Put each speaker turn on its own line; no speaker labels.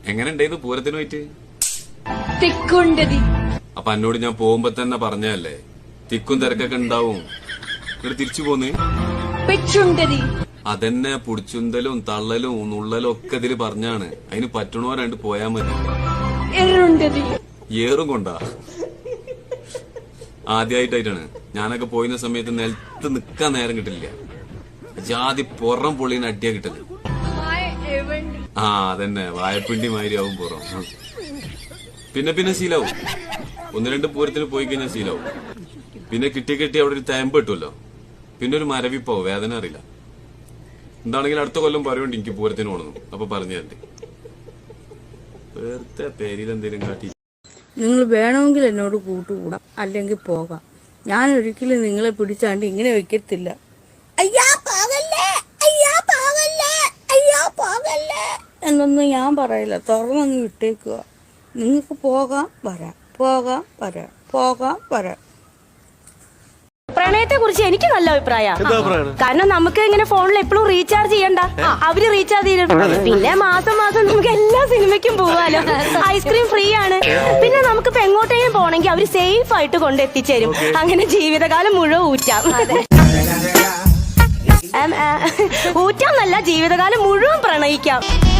എങ്ങനെ ഉണ്ടായിരുന്നു പൂരത്തിന് പോയിട്ട്?
തിക്കുണ്ടതി.
അപ്പൊ എന്നോട് ഞാൻ പോകുമ്പോ തന്നെ പറഞ്ഞല്ലേ തിക്കും തിരക്കൊക്കെ ഉണ്ടാവും. ഇവിടെ തിരിച്ചു പോന്ന്
പെച്ചുണ്ടതി.
അതെന്നെ പുടിച്ചുന്തലും തള്ളലും നുള്ളലും ഒക്കെ ഇതില് പറഞ്ഞാണ്. അതിന് പറ്റണോരാണ്ട് പോയാ മതി.
എറുണ്ടതി.
ഏറും കൊണ്ടാ ആദ്യമായിട്ടായിട്ടാണ് ഞാനൊക്കെ പോയിരുന്ന സമയത്ത് നിലത്ത് നിക്കാൻ നേരം കിട്ടില്ല. ജാതി പുറം പൊള്ളിന് അടിയാ കിട്ടല്. ആ അതന്നെ വായപ്പിണ്ടി മാതിരി ആവും പുറം. പിന്നെ ശീലാവും. 1-2 പൂരത്തിന് പോയി കഴിഞ്ഞാൽ ശീലാവും. പിന്നെ കിട്ടി അവിടെ ഒരു തേമ്പ് കിട്ടുമല്ലോ. പിന്നെ ഒരു മരവിപ്പാവും, വേദന അറിയില്ല. എന്താണെങ്കിലും അടുത്ത കൊല്ലം പറയുന്നുണ്ട് എനിക്ക് പൂരത്തിന് പോകണം. അപ്പൊ പറഞ്ഞു തരണ്ടേ വേർത്തെ പേരിലെന്തേലും കാട്ടി.
നിങ്ങൾ വേണമെങ്കിൽ എന്നോട് കൂട്ടുകൂടാം, അല്ലെങ്കിൽ പോകാം. ഞാൻ ഒരിക്കലും നിങ്ങളെ പിടിച്ചാണ്ട് ഇങ്ങനെ വെക്കത്തില്ല. അയ്യാ പോകല്ലേ, അയ്യാ പോകല്ലേ, അയ്യാ പോകല്ലേ എന്നൊന്നും ഞാൻ പറയില്ല. തുറന്നങ്ങ് വിട്ടേക്കുക. നിങ്ങൾക്ക് പോകാം വരാം, പോകാം വരാം, പോകാം വരാം.
പ്രണയത്തെ കുറിച്ച് എനിക്ക് നല്ല അഭിപ്രായമാണ്. കാരണം നമുക്ക് ഇങ്ങനെ ഫോണിൽ എപ്പോഴും റീചാർജ് ചെയ്യണ്ട, അവര് റീചാർജ് ചെയ്തിട്ടുണ്ട്. പിന്നെ മാസം നമുക്ക് എല്ലാ സിനിമയ്ക്കും പോവാലോ. ഐസ്ക്രീം ഫ്രീ ആണ്. പിന്നെ നമുക്കിപ്പോ എങ്ങോട്ടെങ്കിലും പോണെങ്കിൽ അവര് സേഫ് ആയിട്ട് കൊണ്ടെത്തിച്ചേരും. അങ്ങനെ ജീവിതകാലം മുഴുവൻ ഊറ്റാന്നല്ല, ജീവിതകാലം മുഴുവൻ പ്രണയിക്കാം.